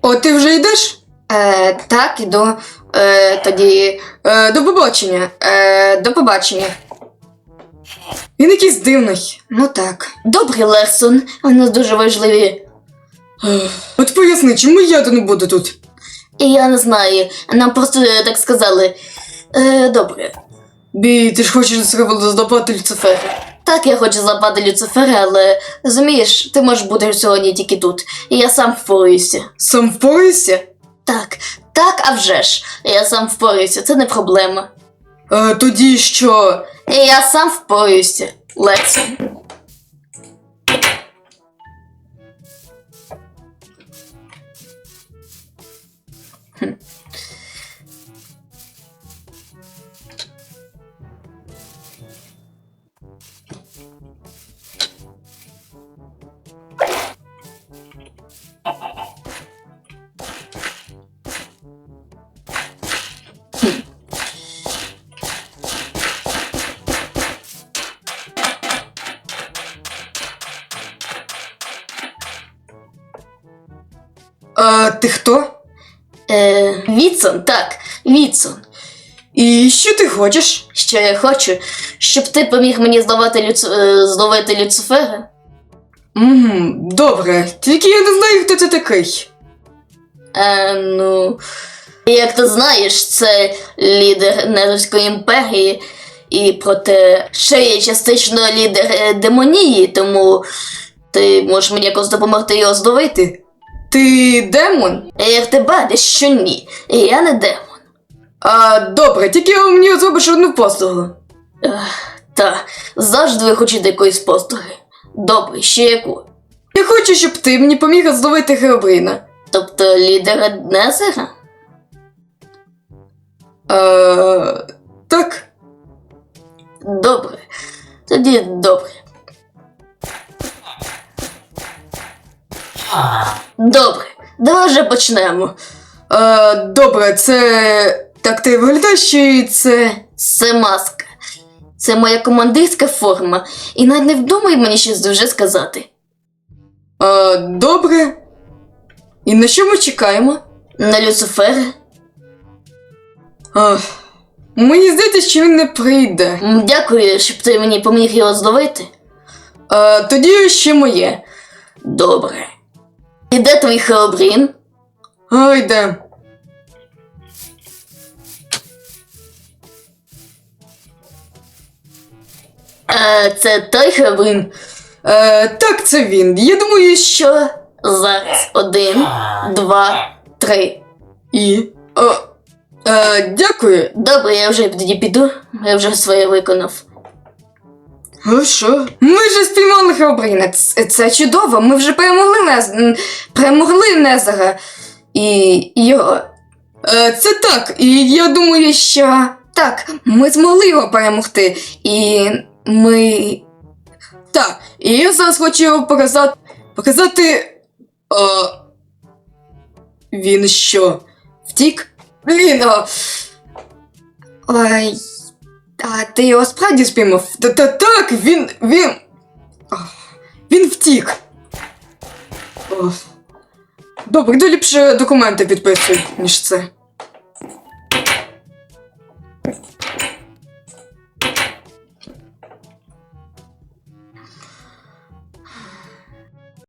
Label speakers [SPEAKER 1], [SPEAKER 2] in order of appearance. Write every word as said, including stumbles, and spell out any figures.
[SPEAKER 1] О, ти вже йдеш?
[SPEAKER 2] Е, так, іду. Е, тоді.
[SPEAKER 1] Е, до побачення.
[SPEAKER 2] Е, до побачення.
[SPEAKER 1] Він якийсь дивний.
[SPEAKER 2] Ну так. Добрий, Лерсон. Вони дуже важливі.
[SPEAKER 1] Ех, От поясни, чому я то не буду тут?
[SPEAKER 2] І я не знаю. Нам просто е, так сказали. Е, добре.
[SPEAKER 1] Бі, ти ж хочеш злопати Люцифера.
[SPEAKER 2] Так, я хочу злапати Люцифера, але розумієш, ти можеш бути сьогодні тільки тут. І я сам впораюся.
[SPEAKER 1] Сам впораєшся?
[SPEAKER 2] Так, так, а вже ж. Я сам впораюся, це не проблема.
[SPEAKER 1] Е, тоді що?
[SPEAKER 2] І я сам впораюся, Лерсон.
[SPEAKER 1] А ти хто?
[SPEAKER 2] Е, Вітсон, так, Вітсон.
[SPEAKER 1] І що ти хочеш?
[SPEAKER 2] Що я хочу, щоб ти поміг мені зловити, Люци... е, зловити Люцифера?
[SPEAKER 1] Угу, добре. Тільки я не знаю, хто це такий.
[SPEAKER 2] Е, ну, як ти знаєш, це лідер Нервської імперії, і проте ще є частично лідер е, демонії, тому ти можеш мені якось допомогти його зловити.
[SPEAKER 1] Ти демон?
[SPEAKER 2] І як ти бачиш, що ні, і я не демон.
[SPEAKER 1] А, добре, тільки мені зробиш одну послугу.
[SPEAKER 2] Та, завжди ви хочете якоїсь послуги. Добре, ще яку?
[SPEAKER 1] Я хочу, щоб ти мені поміг зловити Херобріна.
[SPEAKER 2] Тобто лідера Незера?
[SPEAKER 1] А, так.
[SPEAKER 2] Добре. Тоді добре. Добре, давай вже почнемо.
[SPEAKER 1] А, добре, це... Так ти виглядаєш, чи це...
[SPEAKER 2] Це маска. Це моя командирська форма. І навіть не вдумай мені щось дуже сказати.
[SPEAKER 1] А, добре. І на що ми чекаємо?
[SPEAKER 2] На Люцифера?
[SPEAKER 1] А, мені здається, що він не прийде.
[SPEAKER 2] М, Дякую, щоб ти мені поміг його зловити.
[SPEAKER 1] А, тоді ще моє.
[SPEAKER 2] Добре. І де твій Херобрін?
[SPEAKER 1] А, йде.
[SPEAKER 2] Е, це той Херобрін.
[SPEAKER 1] Е, так, це він. Я думаю, що...
[SPEAKER 2] Що? Зараз. Один, два, три.
[SPEAKER 1] І... О, е, дякую.
[SPEAKER 2] Добре, я вже тоді піду. Я вже своє виконав.
[SPEAKER 1] А що? Ми вже спіймали Херобріна. Це, це чудово. Ми вже перемогли Нез... м, перемогли Незера. І його. Е, це так. І я думаю, що... Так, ми змогли його перемогти. І ми... Так, і я зараз хочу його показати... Показати... О... Він що? Втік? Блін, о... Ой... А ти його справді спіймав? Та-та так, він... він... Ох, він втік. Ох. Добре, йду ліпше документи підписуй, ніж це.